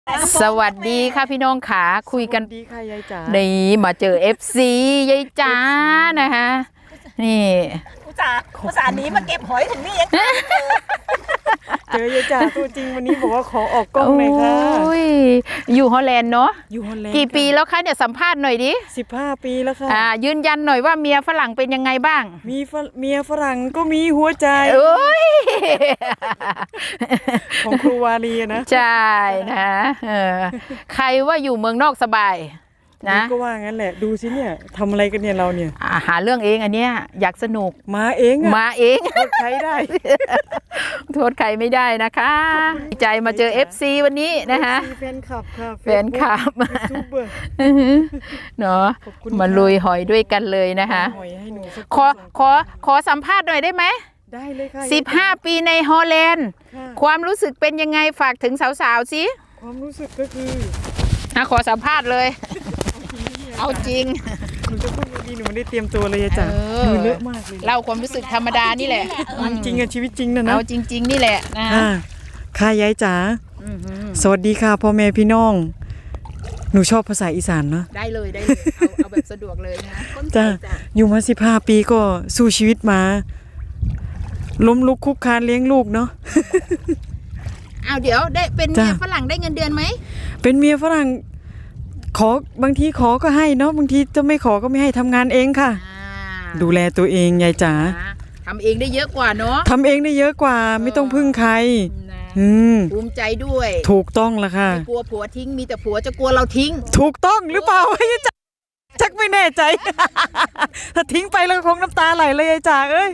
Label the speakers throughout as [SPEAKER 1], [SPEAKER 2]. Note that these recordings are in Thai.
[SPEAKER 1] สวัสดีค่ะพี่น้องขาคุยกัน
[SPEAKER 2] ดีค่ะยายจ๋า
[SPEAKER 1] นี่มาเจอ FC ยายจ๋านะคะนี่
[SPEAKER 3] อุตส่าห์นี้มาเก็บหอยถึงนี่ยัง
[SPEAKER 2] เจอยายจ๋าตัวจริงวันนี้บอกว่าขอออกกล้องหน่อยค่ะ
[SPEAKER 1] อยู่ฮอลแลนด์เนาะ
[SPEAKER 2] อยู่ฮอลแลนด์
[SPEAKER 1] กี่ปีแล้วคะเนี่ยสัมภาษณ์หน่อยดิ
[SPEAKER 2] 15 ปีแล้วค่ะ
[SPEAKER 1] ยืนยันหน่อยว่าเมียฝรั่งเป็นยังไงบ้าง
[SPEAKER 2] มีเมียฝรั่งก็มีหัวใจของครูวาลีนะ
[SPEAKER 1] ใช่นะใครว่าอยู่เมืองนอกสบายนะ
[SPEAKER 2] ก็ว่างั้นแหละดูสิเนี่ยทำอะไรกันเนี่ยเราเนี่ย
[SPEAKER 1] หาเรื่องเองอันเนี้ยอยากสนุก
[SPEAKER 2] มาเองโทษใครได้
[SPEAKER 1] โทษใครไม่ได้นะคะดีใจมาเจอ FC วันนี้นะคะ
[SPEAKER 2] แฟนคลับค่ะ
[SPEAKER 1] แฟนคลับเนาะมาลุยหอยด้วยกันเลยนะคะขอสัมภาษณ์หน่อยได้ไหม
[SPEAKER 2] ได้เลยค่ะ
[SPEAKER 1] 15 ปีในฮอลแลนด์ความรู้สึกเป็นยังไงฝากถึงสาวๆสิ
[SPEAKER 2] ความรู้สึกก็คือ
[SPEAKER 1] ขอสัมภาษณ์เลยเอาจริง
[SPEAKER 2] หนูจะพูดดีหนูไม่ได้เตรียมตัวเลยจ้ะหนูเลอะมากเลย
[SPEAKER 1] เล่าความรู้สึกธรรมดานี่แหละ
[SPEAKER 2] จริงอะชีวิตจริงนะ
[SPEAKER 1] เอาจริงๆนี่แหละนะ
[SPEAKER 2] ค่ะยายจ๋าสวัสดีค่ะพ่อแม่พี่น้องหนูชอบภาษาอีสานเนาะ
[SPEAKER 1] ได้เลยเอาแบบสะดวกเลยนะ
[SPEAKER 2] จ้ะอยู่มา15 ปีก็สู้ชีวิตมาล้มลุกคุกคานเลี้ยงลูกเนาะ
[SPEAKER 1] เดี๋ยวได้เป็นเมียฝรั่งได้เงินเดือนไหม
[SPEAKER 2] เป็นเมียฝรั่งขอบางทีขอก็ให้เนาะบางทีจะไม่ขอก็ไม่ให้ทำงานเองค่ะดูแลตัวเองยายจ๋า
[SPEAKER 1] ทำเองได้เยอะกว่าเนาะ
[SPEAKER 2] ทำเองได้เยอะกว่าไม่ต้องพึ่งใคร
[SPEAKER 1] ภูมิใจด้วย
[SPEAKER 2] ถูกต้องละค่ะ
[SPEAKER 1] ไม่กลัวผัวทิ้งมีแต่ผัวจะกลัวเราทิ้ง
[SPEAKER 2] ถูกต้องหรือเปล่ายายจ๋าชักไม่แน่ใจถ้าทิ้งไปแล้วคงน้ำตาไหลเลยยายจ๋าเอ้ย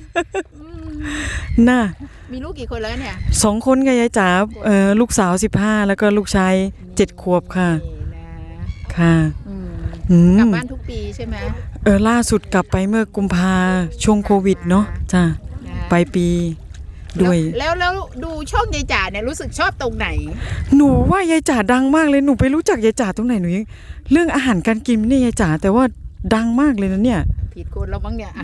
[SPEAKER 2] น่ะ
[SPEAKER 1] มีลูกกี่คนแล้วเนี่ย
[SPEAKER 2] 2 คนค่ะยายจ๋าลูกสาว15แล้วก็ลูกชาย7 ขวบค่ะค่ะ
[SPEAKER 1] กลับบ้านทุกปีใช่ไหม
[SPEAKER 2] ล่าสุดกลับไปเมื่อกุมภาช่วงโควิดเนาะจ้ะไปปีด้วย
[SPEAKER 1] แล้วดูช่องยายจ๋าเนี่ยรู้สึกชอบตรงไหน
[SPEAKER 2] หนูว่ายายจ๋าดังมากเลยหนูไปรู้จักยายจ๋าตรงไหนหนูยังเรื่องอาหารการกินเนี่ยยายจ๋าแต่ว่าดังมากเลยนะเนี่ย
[SPEAKER 1] ผิดคนแล้วมั้งเนี่ย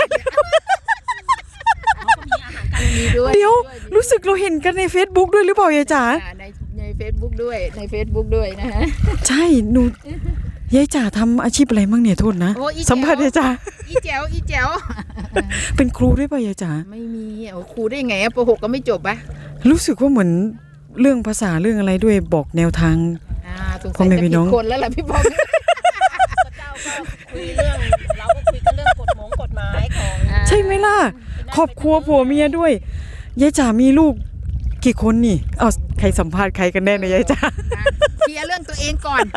[SPEAKER 2] เดี๋ยวรู้สึกเราเห็นกันใน Facebook ด้วยหรือเปล่ายายจ๋า
[SPEAKER 1] ใน Facebook ด้วยใน Facebook ด้วยนะฮะ
[SPEAKER 2] ใช่หนูยายจ๋าทำอาชีพอะไรมั่งเนี่ยโทษนะสัมภาษณ์ยายจ๋า
[SPEAKER 1] อีแจ๋ว
[SPEAKER 2] เป็นครูด้วยป่ะยายจ๋า
[SPEAKER 1] ไม่มีครูได้ไงป.6ก็ไม่จบปะ
[SPEAKER 2] รู้สึกว่าเหมือนเรื่องภาษาเรื่องอะไรด้วยบอกแนวทาง
[SPEAKER 1] พ่อแม่พี่น้องคนแล้วล่ะพี่บอม
[SPEAKER 3] คุยเรื่องเราก็คุยกันเรื่องกฎหมายของ
[SPEAKER 2] ใช่ไหมล่ะครอบครัวผัวเมียด้วยยายจ๋ามีลูกกี่คนนี่ใครสัมภาษณ์ใครกันแน่นะยายจ๋า
[SPEAKER 1] เคลียร์เรื่องตัวเองก่อน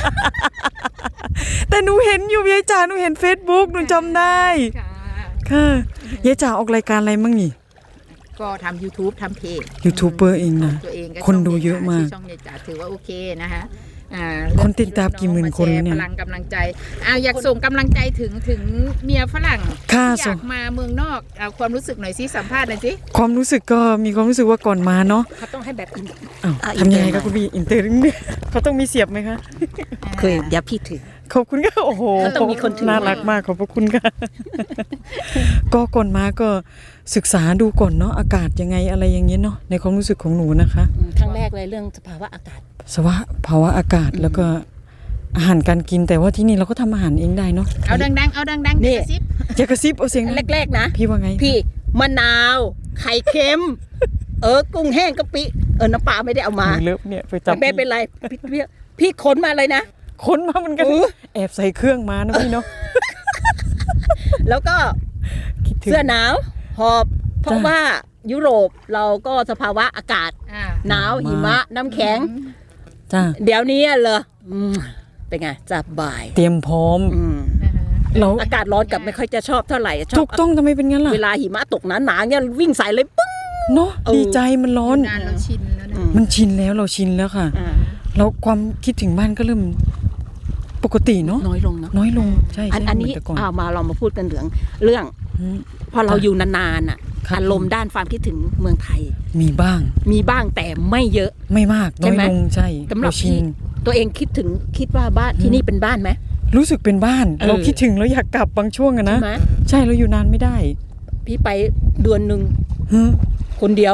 [SPEAKER 2] แต่หนูเห็นอยู่ยายจ๋าหนูเห็น Facebook หนูจำได้ค่ะยายจ๋าออกรายการอะไรมั่งนี่
[SPEAKER 1] ก็ทำ YouTube ทำเพจ
[SPEAKER 2] ยูทูบเบอร์เองนะคนดูเยอะมาก
[SPEAKER 1] ช่องยายจ๋าถือว่าโอเคนะคะ
[SPEAKER 2] คนติดตามกี่หมื่นคนเนี่ย
[SPEAKER 1] พลังกำลังใจอยากส่งกำลังใจถึงเมียฝรั่งอยากมาเมืองนอกความรู้สึกหน่อยสิสัมภาษณ์หน่อยสิ
[SPEAKER 2] ความรู้สึกก็มีความรู้สึกว่าก่อนมาเนาะ
[SPEAKER 3] เขาต้องให้แบบ
[SPEAKER 2] ทำยังไงครับคุณพี่อินเตอร์เขาต้องมีเสียบไหมคะ
[SPEAKER 3] เคยอย่าพี่ถือ
[SPEAKER 2] ขอบคุณค่ะโอ้โห
[SPEAKER 3] ต้องมีคนถือ
[SPEAKER 2] น่ารักมากขอบพระคุณค่ะก็ก่อนมาก็ศึกษาดูก่อนเนาะอากาศยังไงอะไรอย่างเงี้ยเนาะในความรู้สึกของหนูนะคะ
[SPEAKER 3] ครั้งแรกเลยเรื่องสภาวะอากาศ
[SPEAKER 2] ภาวะอากาศแล้วก็อาหารการกินแต่ว่าที่นี่เราก็ทำอาหารเองได้เนาะ
[SPEAKER 1] เอาดัง
[SPEAKER 2] นี่อย่ากระซิบเอาเสียง
[SPEAKER 3] แรกๆนะ
[SPEAKER 2] พี่ว่าไง
[SPEAKER 3] พี่มะนาวไข่เค็มกุ้งแห้งกะปิน้ำปลาไม่ได้เอามา
[SPEAKER 2] เลิฟเนี่ยไปจับ
[SPEAKER 3] ไม่เป็นไรพี่ขนมาเลยนะ
[SPEAKER 2] ขนมาเหมือนกันแอบใส่เครื่องมานะพี่เนาะ
[SPEAKER 3] แล้วก็เสื้อหนาวหอบเพราะว่ายุโรปเราก็สภาวะอากาศหนาวหิมะน้ำแข็งเดี๋ยวนี้เลยเป็นไงสบาย
[SPEAKER 2] เตรียมพร้อม
[SPEAKER 3] เราอากาศร้อนกับไม่ค่อยจะชอบเท่าไหร่
[SPEAKER 2] ถูกต้องทำไมเป็นงั้นล่ะ
[SPEAKER 3] เวลาหิมะตกหนาเนี่ยวิ่งใส่เลยปึ้ง
[SPEAKER 2] เนาะดีใจมันร้อนมันชินแล้วเราชินแล้วค่ะแล้วความคิดถึงบ้านก็เริ่มปกติเนาะ
[SPEAKER 3] น้อยลง
[SPEAKER 2] ใช่
[SPEAKER 3] อันนี้มาเรามาพูดกันเรื่องพอเราอยู่นานๆอารมณ์ด้านความคิดถึงเมืองไทย
[SPEAKER 2] มีบ้าง
[SPEAKER 3] แต่ไม่เยอะ
[SPEAKER 2] ไม่มากน้อยลงใช่
[SPEAKER 3] เราชินตัวเองคิดว่าบ้านที่นี่เป็นบ้านไหม
[SPEAKER 2] รู้สึกเป็นบ้านเราคิดถึงเราอยากกลับบางช่วงอะนะใช่เราอยู่นานไม่ได้
[SPEAKER 3] พี่ไปเดือนนึงคนเดียว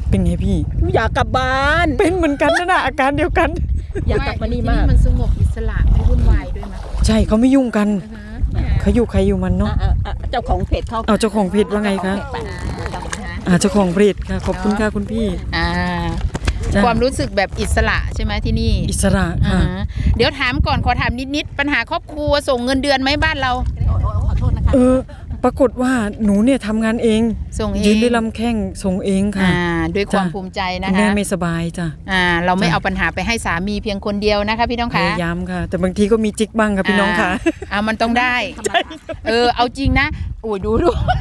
[SPEAKER 2] เป็นไงพี่
[SPEAKER 3] อยากกลับบ้าน
[SPEAKER 2] เป็นเหมือนกันนะอาการเดียวกัน
[SPEAKER 3] อยากกลับมานี่มาก
[SPEAKER 1] มันสงบอิสระไม่วุ่นวายด้วยมั้ย
[SPEAKER 2] ใช่เขาไม่ยุ่งกันเขาอยู่ใครอยู่มันเนาะ
[SPEAKER 3] เจ้าของเพจเขา
[SPEAKER 2] เอาเจ้าของเพจว่าไงคะเจ้าของเพจค่ะขอบคุณค่ะคุณพี่ จ้ะ
[SPEAKER 1] ความรู้สึกแบบอิสระใช่ไหมที่นี่
[SPEAKER 2] อิสระค่ะ
[SPEAKER 1] เดี๋ยวถามก่อนขอถามนิดๆปัญหาครอบครัวส่งเงินเดือนไหมบ้านเรา
[SPEAKER 3] ขอโทษนะคะ
[SPEAKER 2] ปรากฏว่าหนูเนี่ยทำงานเอง
[SPEAKER 1] ส่งเอง
[SPEAKER 2] ยืนด้วยลำแข้งส่งเองค่ะ
[SPEAKER 1] ด้วยความ
[SPEAKER 2] จ้ะ
[SPEAKER 1] ภูมิใจนะ
[SPEAKER 2] คุณแม่
[SPEAKER 1] คะ
[SPEAKER 2] ไม่สบายจ้ะ
[SPEAKER 1] เราไม่
[SPEAKER 2] จ้ะ
[SPEAKER 1] เอาปัญหาไปให้สามีเพียงคนเดียวนะคะพี่น้อง
[SPEAKER 2] พ
[SPEAKER 1] คะ
[SPEAKER 2] ยายามค่ะ แต่บางทีก็มีจิกบ้างค่ะพี่น้องค่ะ
[SPEAKER 1] มันต้องได้ เอาจริงนะอุ้ยดู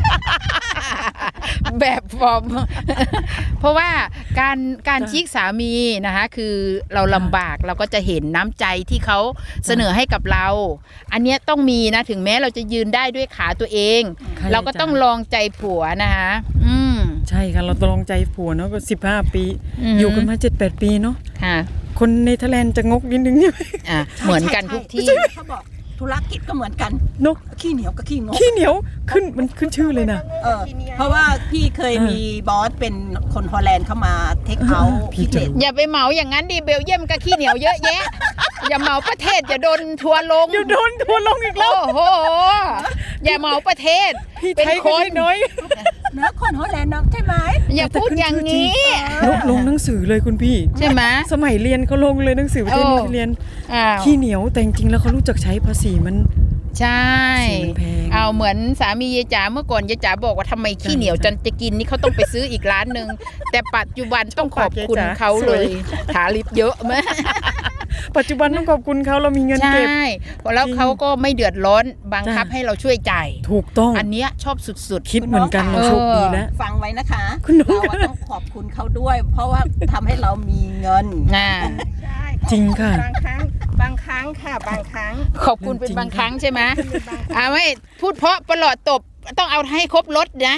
[SPEAKER 1] แบบฟอร์ม เพราะว่าการจิกสามีนะคะคือเราลำบากเราก็จะเห็นน้ำใจที่เขาเสนอให้กับเรา อันเนี้ยต้องมีนะถึงแม้เราจะยืนได้ด้วยขาตัวเอง
[SPEAKER 2] ใช่
[SPEAKER 1] เราก็ต้องลองใจผัวนะคะ
[SPEAKER 2] ใช่ค่ะเราตกลงใจผัวเนาะก็15 ปี
[SPEAKER 1] อืม
[SPEAKER 2] อยู่กันมา7-8 ปีเนาะ
[SPEAKER 1] ค่ะ
[SPEAKER 2] คนเนเธอร์แลนด์จะงกนิดนึงใช่ไหม
[SPEAKER 1] เหมือนกันทุกที่
[SPEAKER 3] เขาบอกธุรกิจก็เหมือนกัน
[SPEAKER 2] เนาะ
[SPEAKER 3] ขี้เหนียวกับขี้งก
[SPEAKER 2] ขี้เหนียวมันขึ้นชื่อเลยนะ
[SPEAKER 3] เพราะว่าพี่เคยมีบอสเป็นคนฮอลแลนด์เข้ามาเทคเอาท์
[SPEAKER 2] พี่
[SPEAKER 3] พิ
[SPEAKER 2] จะ
[SPEAKER 3] เศษ
[SPEAKER 1] อย่าไปเหมาอย่างนั้นดิเบลเยียมก็ขี้เหนียวเยอะแยะ อย่าเหมาประเทศอย่าโดนทัวร์ลง
[SPEAKER 2] เดี๋ยวโดนทัวร์ลงอีกแล้ว
[SPEAKER 1] โอ้โหอย่าเหมาประเทศ
[SPEAKER 2] พี่
[SPEAKER 1] เป็น
[SPEAKER 2] ไทย
[SPEAKER 1] ค
[SPEAKER 2] ก็
[SPEAKER 1] น
[SPEAKER 2] น้อย
[SPEAKER 3] นะคนฮอลแลนด์นะใช่ไหม
[SPEAKER 1] อย่าพูดอย่างนี้
[SPEAKER 2] ลงหนังสือเลยคุณพี่
[SPEAKER 1] ใช่ไหม
[SPEAKER 2] สมัยเรียนเขาลงเลยหนังสือประเทศ
[SPEAKER 1] โอ้
[SPEAKER 2] เนเธอร์แลนด์
[SPEAKER 1] อ้าว
[SPEAKER 2] ขี้เหนียวแต่จริงๆแล้วเขารู้จักใช้ภาษีมัน
[SPEAKER 1] ใช่
[SPEAKER 2] สีมันแพง
[SPEAKER 1] เอาเหมือนสามียายจ๋าเมื่อก่อนยายจ๋าบอกว่าทำไมขี้เหนียวจนจะกินนี่เขาต้องไปซื้ออีกร้านหนึ่งแต่ปัจจุบันต้องขอบคุณเขาเลยถาลิปเยอะมาก
[SPEAKER 2] ปัจจุบันต้องขอบคุณเขาเรามีเงิน
[SPEAKER 1] ใช่
[SPEAKER 2] เก็บ
[SPEAKER 1] แล้วเขาก็ไม่เดือดร้อนบังคับ
[SPEAKER 2] จ้ะ
[SPEAKER 1] ให้เราช่วยจ่าย
[SPEAKER 2] ถูกต้อง
[SPEAKER 1] อันเนี้ยชอบสุด
[SPEAKER 2] คิดเหมือนกันเราโชคดีแล้ว
[SPEAKER 3] ฟังไว้นะคะ
[SPEAKER 2] คุณน้อง
[SPEAKER 3] เราต้องขอบคุณเขาด้วย เพราะว่าทำให้เรามีเงิน
[SPEAKER 1] ๆ
[SPEAKER 2] จริงค่ะ
[SPEAKER 3] บางครั้งค่ะบางครั้ง
[SPEAKER 1] ขอบคุณเป็นบางครั้งใช่ไหมไม่พูดเพราะประหลอดตบต้องเอาให้ครบรถนะ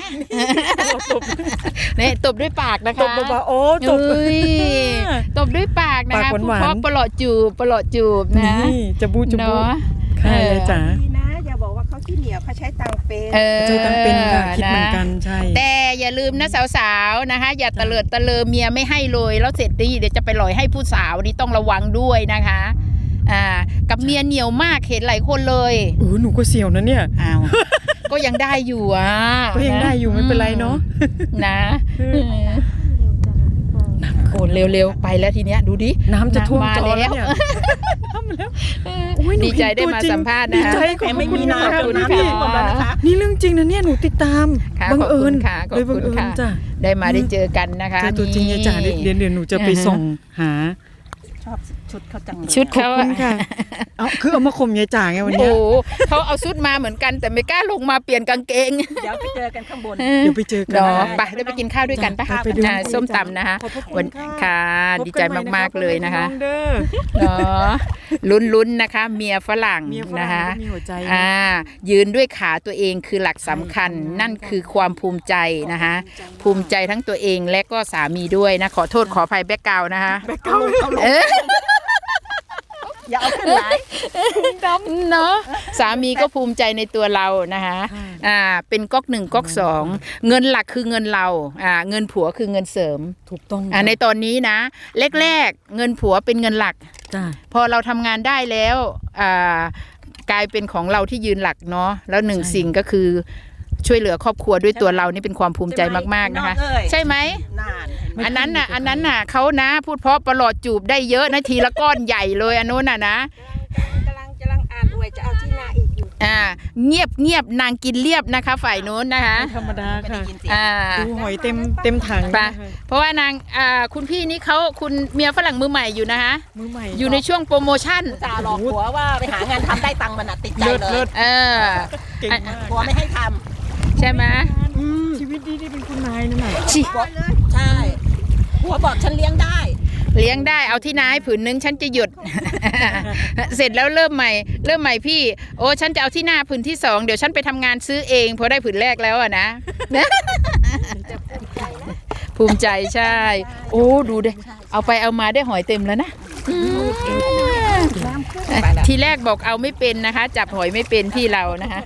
[SPEAKER 1] เนี่ยตบด้วยปากนะคะ
[SPEAKER 2] ตบเบาๆโอ้ตบ
[SPEAKER 1] เอ้ยตบด้วยปากนะคะ
[SPEAKER 2] ปาก
[SPEAKER 1] พูด
[SPEAKER 2] หวานๆ
[SPEAKER 1] เพราะประหลอดจูบนะ
[SPEAKER 2] นี่จะบูจะบู
[SPEAKER 1] เนาะ
[SPEAKER 2] ค่ะยายจ๋า
[SPEAKER 4] ดีนะอย่าบอกว่าเขาขี้เหนียวเขาใช้ตังค์เป็น
[SPEAKER 2] ใจตั้งเป็นค่ะคิดเหมือนกัน
[SPEAKER 1] นะ
[SPEAKER 2] ใช่
[SPEAKER 1] แต่อย่าลืมนะสาวๆนะคะ อย่าตะเลิดตะเลอเมียไม่ให้เลยแล้วเสร็จนี่เดี๋ยวจะไปหลอยให้ผู้สาวนี่ต้องระวังด้วยนะคะกับเมียเหนียวมากเห็นหลายคนเลย
[SPEAKER 2] หนูก็เสี่ยวนะเนี่ย
[SPEAKER 1] อ้าวก็ยังได้อยู่อ่ะ
[SPEAKER 2] ก็ยังได้อยู่ไม่เป็นไรเนาะ
[SPEAKER 1] นะโอ้เร็วๆไปแล้วทีเนี้ยดูดิ
[SPEAKER 2] น้ำจะท่วม
[SPEAKER 1] มา
[SPEAKER 2] จอ
[SPEAKER 1] แล้
[SPEAKER 2] แล้ว
[SPEAKER 1] ว
[SPEAKER 2] เนี่ยน้ำมาแล้วโอ้ยหนู
[SPEAKER 1] ดีใจ
[SPEAKER 2] เห็น
[SPEAKER 1] ได้
[SPEAKER 2] ตัว
[SPEAKER 1] มา
[SPEAKER 2] จริง
[SPEAKER 1] สัมภาษณ์
[SPEAKER 2] ดี
[SPEAKER 1] นะ
[SPEAKER 2] ใจ
[SPEAKER 1] คะ
[SPEAKER 2] ขอบ
[SPEAKER 3] ไม่
[SPEAKER 2] คุณ
[SPEAKER 3] มี
[SPEAKER 2] นะ
[SPEAKER 3] น้ำ
[SPEAKER 2] คะ
[SPEAKER 3] จน
[SPEAKER 2] คุณ
[SPEAKER 3] น้ำ
[SPEAKER 2] พี่
[SPEAKER 3] ท่วมแล้วนะคะ
[SPEAKER 2] นี่เรื่องจริงนะเนี่ยหนูติดตาม
[SPEAKER 1] ค่ะ
[SPEAKER 2] บังเอิญ
[SPEAKER 1] ขอบคุณค่ะ
[SPEAKER 2] เลยบังเอิญ
[SPEAKER 1] ขอบคุณค่ะ
[SPEAKER 2] จ้ะ
[SPEAKER 1] ได้มาได้เจอกันนะคะ
[SPEAKER 2] เจอตัวจริงยายจ๋าเดี๋ยวหนูจะไปส่งหา
[SPEAKER 3] ชอบชุดเขาจังเลย
[SPEAKER 1] ชุด
[SPEAKER 2] ขอบ
[SPEAKER 1] เขา
[SPEAKER 2] คุณค่ะเอาคือเอามาข่มยายจ๋าไงวัน
[SPEAKER 1] โอ้
[SPEAKER 2] เนี้ย
[SPEAKER 1] โหเขาเอาชุดมาเหมือนกันแต่ไม่กล้าลงมาเปลี่ยนกางเกง
[SPEAKER 3] เดี๋ยวไปเจอกันข้างบน
[SPEAKER 2] เดี๋ยวไปเจอกัน
[SPEAKER 1] เนาะ
[SPEAKER 2] นะ
[SPEAKER 1] ไปได้ไปกินข้าวด้วยกันปะ
[SPEAKER 2] ไปดู
[SPEAKER 1] ส้มตำนะคะ
[SPEAKER 2] ขอบพระคุณ
[SPEAKER 1] วัน
[SPEAKER 2] ค่ะ
[SPEAKER 1] ค่ะ
[SPEAKER 2] พบ
[SPEAKER 1] ดีใจ
[SPEAKER 2] นให
[SPEAKER 1] มากๆเลยนะคะ
[SPEAKER 2] องเด้อ
[SPEAKER 1] เนาะลุ้นๆนะคะ เมียฝรั่ง
[SPEAKER 2] เมียฝ
[SPEAKER 1] นะ
[SPEAKER 2] รั่ง
[SPEAKER 1] คะ
[SPEAKER 2] ก็มีหัวใจนะ
[SPEAKER 1] ยืนด้วยขาตัวเองคือหลักสำคัญ นั่นคือความภูมิใจนะคะ ภูมิใจทั้งตัวเองและก็สามีด้วยนะ ขอโทษขออภัยแบ็กกราวน์นะคะ
[SPEAKER 3] อย่าเอาขึ้นไหล
[SPEAKER 1] เนาะสามีก็ภูมิใจในตัวเรานะคะเป็นก๊อกหนึ่งก๊อกสองเงินหลักคือเงินเราเงินผัวคือเงินเสริม
[SPEAKER 2] ถูกต้อง
[SPEAKER 1] ในตอนนี้นะแรกๆเงินผัวเป็นเงินหลัก
[SPEAKER 2] จ้า
[SPEAKER 1] พอเราทำงานได้แล้วกลายเป็นของเราที่ยืนหลักเนาะแล้วหนึ่ง
[SPEAKER 2] ใช่
[SPEAKER 1] สิ่งก็คือช่วยเหลือครอบครัวด้วยตัวเรานี่เป็นความภูมิใจมากๆนะคะ ใช่ไหม
[SPEAKER 3] นานเห็นไหม
[SPEAKER 1] อันนั้นน่ะเขานะพูดเพราะประหลอดจูบได้เยอะนะทีละก้อนใหญ่เลยอันนู้นน่ะนะ
[SPEAKER 4] กำลังอ่านอวยจะเอาที่นาอีกอยู่
[SPEAKER 1] เงียบนางกินเรียบนะคะ ฝ่ายนู้นนะคะ
[SPEAKER 2] ไม่ธรรมดา
[SPEAKER 3] ไม่ได้
[SPEAKER 2] ค่ะ
[SPEAKER 3] ยินเสียง
[SPEAKER 2] ดูหอยเต็มถัง
[SPEAKER 1] ไป
[SPEAKER 2] นะคะ
[SPEAKER 1] เพราะว่านางคุณพี่นี่เขาคุณเมียฝรั่งมือใหม่อยู่นะคะ
[SPEAKER 2] มือใหม่
[SPEAKER 1] อยู่ในช่วงโปรโมชั่น
[SPEAKER 3] จ่าหลอกผัวว่าไปหางานทำได้ตังค์มันติดใจ
[SPEAKER 2] เลิศ
[SPEAKER 3] เล
[SPEAKER 2] เลิ
[SPEAKER 3] ย
[SPEAKER 2] ศ เก่งมาก
[SPEAKER 3] ผัวไม่ให้ท
[SPEAKER 1] ใช่ไหม
[SPEAKER 2] ชีวิตดีเป็นคุณนายนั่นแหละ
[SPEAKER 1] ชิ
[SPEAKER 3] ำใช่ผัวบอกฉันเลี้ยงได้
[SPEAKER 1] เลี้ยงได้เอาที่นาให้ผืนนึงฉันจะหยุด เสร็จแล้วเริ่มใหม่พี่โอ้ฉันจะเอาที่นาผืนที่สองเดี๋ยวฉันไปทำงานซื้อเองพอได้ผืนแรกแล้วอะนะ ภูมิใจใช่ โอ้ดูดิเอาไปเอามาได้หอยเต็มแล้วนะทีแรกบอกเอาไม่เป็นนะคะ จับหอยไม่เป็นพี่เรานะคะ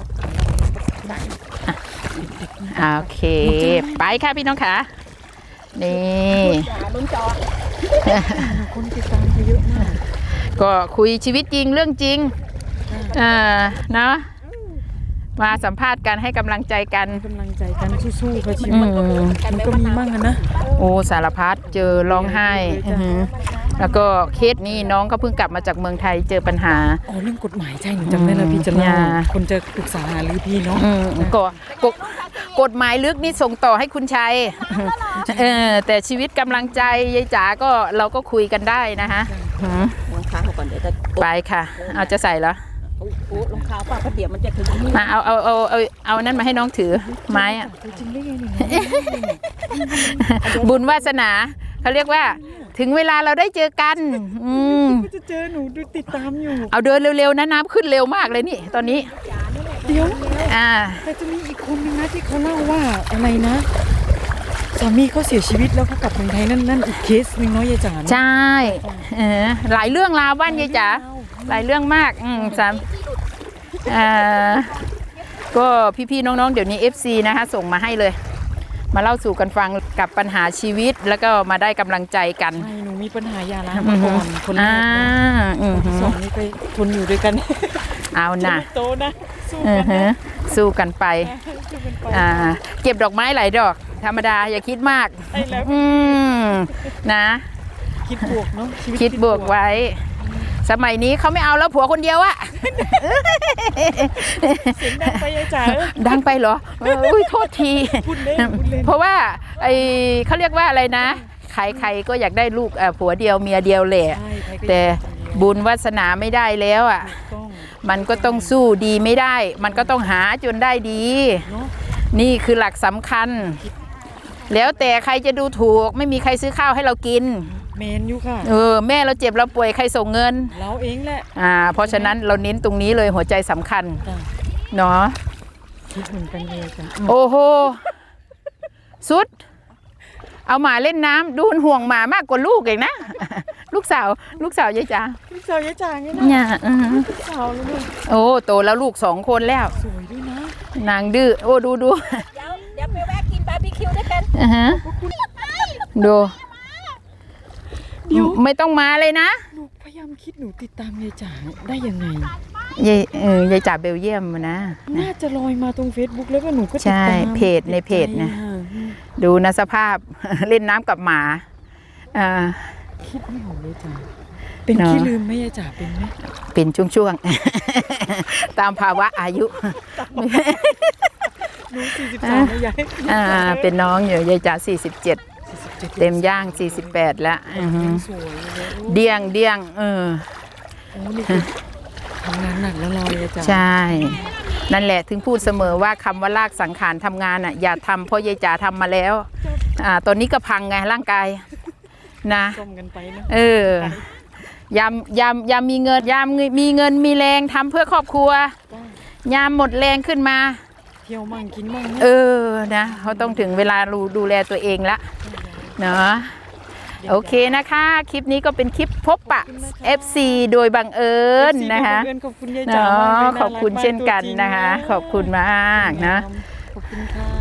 [SPEAKER 1] โอเค ไปค่ะพี่น้องค่ะนี่
[SPEAKER 3] ลุ้นจอ
[SPEAKER 2] คนติดตามเขาเยอะมาก
[SPEAKER 1] ก็คุยชีวิตจริงเรื่องจริงเนาะมาสัมภาษณ์กันให้กำลังใจกัน
[SPEAKER 2] กำลังใจกันสู้ๆค่ะชีวิตมันก็มีมั่งนะ
[SPEAKER 1] โอ้สารพัดเจอร้องไห้แล้วก็เคสนี้น้องก็เพิ่งกลับมาจากเมืองไทยเจอปัญหา
[SPEAKER 2] อ๋อเรื่องกฎหมายใช่หนูจำได้แล้วพี่จะเล่าคนจะปรึกษาหรือพี่เนาะ
[SPEAKER 1] กฎหมายลึกนี่ส่งต่อให้คุณชัยแต่ชีวิตกำลังใจยายจ๋าก็เราก็คุยกันได้นะฮะ
[SPEAKER 3] รองเท้าเขาก่อนเดี๋ยวจะ
[SPEAKER 1] ไปค่ะเอาจะใส่เหรอ
[SPEAKER 3] โอ้รองเท้าป่ะเพราะเดี๋ยวมันจะถึงนี่
[SPEAKER 1] มาเอานั่นมาให้น้องถือไม้อะ
[SPEAKER 2] จริงได้ไงเนี่ย
[SPEAKER 1] บุญวาสนาเขาเรียกว่าถึงเวลาเราได้เจอกัน
[SPEAKER 2] จะเจอหนูดูติดตามอยู่
[SPEAKER 1] เอาเดินเร็วๆนะน้ำขึ้นเร็วมากเลยนี่ตอนนี้
[SPEAKER 2] เดี๋ยว
[SPEAKER 1] แต่
[SPEAKER 2] จะมีอีกคนนึงนะที่เขาเล่าว่าอะไรนะสามีเขาเสียชีวิตแล้วเขากลับเมืองไทยนั่นอีกเคสนึงเนาะยายจ๋า
[SPEAKER 1] ใช่หลายเรื่องราวบ้านยายจ๋าหลายเรื่องมากก็พี่ๆน้องๆเดี๋ยวนี้ FC นะคะส่งมาให้เลย มาเล่าสู่กันฟังกับปัญหาชีวิตแล้วก็มาได้กำลังใจกัน
[SPEAKER 2] ใช่หนูมีปัญหายาล้างมาก่อนคนแรกคนที่สองนี่ไปทนอยู่ด้วยกัน
[SPEAKER 1] เอานะ
[SPEAKER 2] โตนะ
[SPEAKER 1] สู้กันไปเก็บดอกไม้หลายดอกธรรมดาอย่าคิดมากนะ
[SPEAKER 2] คิดบวกเนาะ
[SPEAKER 1] คิดบวกไว้สมัยนี้เขาไม่เอาแล้วผัวคนเดียวอะ
[SPEAKER 2] เสียงดังไปยายจ๋า
[SPEAKER 1] ดังไปเหรออุ้ยโทษทีเพราะว่าเขาเรียกว่าอะไรนะใครๆก็อยากได้ลูกผัวเดียวเมียเดียวแหละแต่บุญวาสนาไม่ได้แล้วอ่ะมันก็ต้องสู้ดีไม่ได้มันก็ต้องหาจนได้ดีนี่คือหลักสำคัญแล้วแต่ใครจะดูถูกไม่มีใครซื้อข้าวให้เรากิน
[SPEAKER 2] เมนอยู่ค่ะ
[SPEAKER 1] แม่เราเจ็บเราป่วยใครส่งเงิน
[SPEAKER 2] เราเองแหละ
[SPEAKER 1] เพราะฉะนั้นเราเน้นตรงนี้เลยหัวใจสำคัญเนาะ
[SPEAKER 2] คิดเหมือนกันเลยจ้ะ
[SPEAKER 1] โอ้โหสุดเอาหมาเล่นน้ำดูห่วงหมามากกว่าลูกเองนะลูกสาวยายจ๋า
[SPEAKER 2] ลูกสาวยายจ๋าไง
[SPEAKER 1] เนี่ย
[SPEAKER 2] ลูกสาวแล้วเนี่ย
[SPEAKER 1] โอ้โตแล้วลูก2 คนแล้ว
[SPEAKER 2] สวยด้วยนะ
[SPEAKER 1] นางดื้อโอ้ดู
[SPEAKER 3] เดี๋ยวไปแวะกินบาร์บีคิวด้วยกัน
[SPEAKER 1] ดูไม่ต้องมาเลยนะ
[SPEAKER 2] หนูพยายามคิดหนูติดตามยายจ๋าได้ยังไง
[SPEAKER 1] ยายจ๋าเบลเยียมนะ
[SPEAKER 2] น่าจะลอยมาตรง Facebook แล้วก็หนูก็ติดตาม
[SPEAKER 1] ใช่ในเพจนะดูนะสภาพเล่นน้ำกับหมา
[SPEAKER 2] คิดไม่ออกเลยจ้ะเป็นขี้ลืมไหมยายจ๋าเป็นไหม
[SPEAKER 1] เป็นช่วงๆตามภาวะอายุ
[SPEAKER 2] หนู43นะยาย
[SPEAKER 1] เป็นน้องอยู่ยายจ๋า47เต็มย่าง48แล้วเดี้ยง
[SPEAKER 2] ทำงานหนักแล้วเรายายจ๋า
[SPEAKER 1] ใช่นั่นแหละถึงพูดเสมอว่าคำว่าลากสังขารทำงานอย่าทำเพราะยายจ๋าทำมาแล้วตอนนี้ก็พังไงร่างกายนะยามมีเงินมีแรงทำเพื่อครอบครัวยามหมดแรงขึ้นมา
[SPEAKER 2] เที่ยวมั่งกินมั่ง
[SPEAKER 1] นะเขาต้องถึงเวลาดูแลตัวเองละเนาะโอเคนะคะคลิปนี้ก็เป็นคลิปพบปะ FC โดยบังเอิญนะคะ
[SPEAKER 2] ขอบคุณยายจ๋า
[SPEAKER 1] ขอบคุณเช่นกันนะคะขอบคุณมากนะ
[SPEAKER 2] ขอบคุณค่ะ